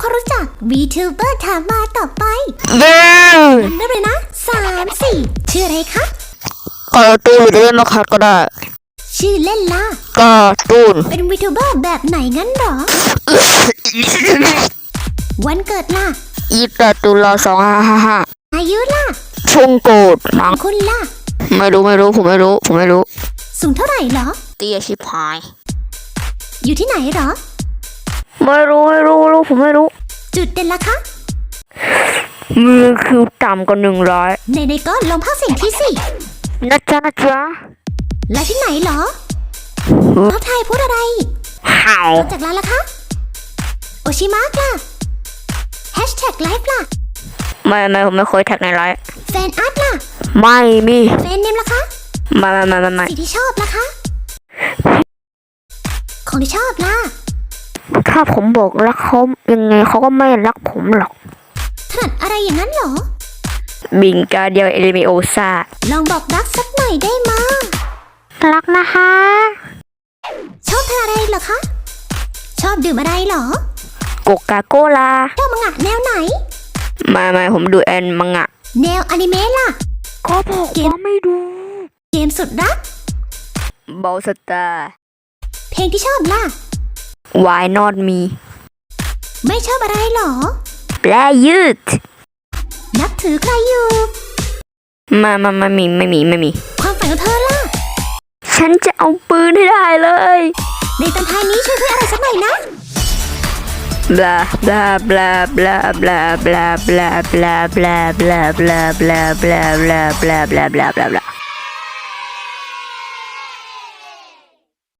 ความรู้จัก VTuber ถามมาต่อไปเย้เริ่มเลยนะ3-4ชื่ออะไรคะการ์ตูนหรือจะเล่นมาคัดก็ได้ชื่อเล่นล่ะการ์ตูนเป็น VTuber แบบไหนงั้นหรอ วันเกิดล่ะ 28 ตุลา2555 อายุล่ะช่วงโกรธมั้งคุณล่ะไม่รู้ผมไม่รู้สูงเท่าไหร่หรอเตี้ยชิบหายอยู่ที่ไหนหรอไม่รู้ผมไม่รู้จุดเด่นล่ะคะมือคิวต่ำกว่า100 ในก็ลองพากย์เสียงที่สินะจ๊ะและที่ไหนหรอทักทายพูดอะไรห่าวจากร้านล่ะคะ โอชิมะล่ะแฮชแท็กไลฟ์ล่ะไม่ผมไม่เคยแท็กในไลน์แฟนอาร์ตล่ะไม่มีแฟนเนมล่ะคะไม่สีที่ชอบล่ะคะ ของที่ชอบล่ะถ้าผมบอกรักเขายังไงเขาก็ไม่รักผมหรอกถนัดอะไรอย่างนั้นหรอบิงกาเดียวเอลิเมโอซาลองบอกรักสักหน่อยได้มารักนะคะชอบทานอะไรเหรอคะ ชอบดื่มอะไรเหรอโกกาโกลาชอบมังงะแนวไหนไม่ผมดูแอนมังงะแนวอนิเมะล่ะก็บอกว่าไม่ดูเกมสุดรักบอลสตาร์เพลงที่ชอบล่ะ Why not me ไม่ชอบอะไรเหรอแปลยืดนับถือใครอยู่ไม่มีความฝันของเธอล่ะฉันจะเอาปืนให้ได้เลยในตอนท้ายนี้ช่วยเพื่ออะไรสักหน่อยนะบลาบลาบลาบลาบลาบลาบลาบลาบลาบลาบลาบลาบลาบลาบลาบลาบลา